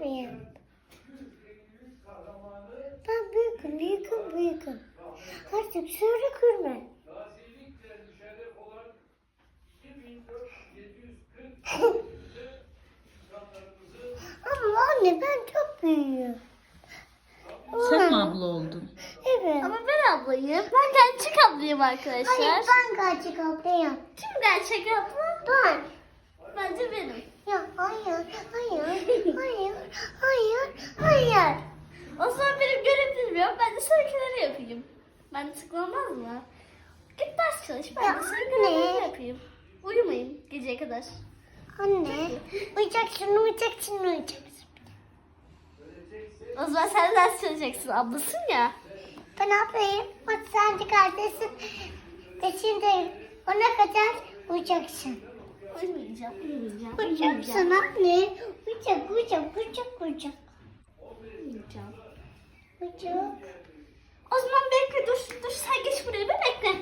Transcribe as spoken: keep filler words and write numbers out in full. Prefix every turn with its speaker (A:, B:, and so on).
A: mıyım? Ben büyüküm, büyüküm, büyüküm. Artık söyle kırma. Ama anne ben çok büyüğüm.
B: Sen mi abla oldun?
A: Evet.
C: Ama ben ablayım. Ben gerçek ablayım arkadaşlar.
A: Hayır ben gerçek ablayım.
C: Kim gerçek abla?
A: Ben.
C: Bence benim.
A: Ya hayır, hayır, hayır, hayır, hayır.
C: O zaman benim görevlerim yok. Ben de seninkileri yapayım. Ben de sıkılmaz mı? Git ders çalış. Ben
A: Ya
C: de senin
A: anne.
C: görevlerini yapayım. Uyumayın geceye kadar.
A: Anne, uyuyacaksın, uyuyacaksın, uyuyacaksın.
C: O zaman sen ders çalışacaksın. Ablasın ya.
A: Ben ne yapayım? Bak sen de kardeşsin. Ve şimdi ona kadar uyuyacaksın.
C: Uyumayacağım, uyumayacağım.
A: Uyuyacaksın anne. Uyuyacak, uyuyacak, uyuyacak, uyuyacak.
C: Uyumayacağım.
A: Uyuyacak.
C: O zaman bekle dur. Dur sen geç buraya bir bekle.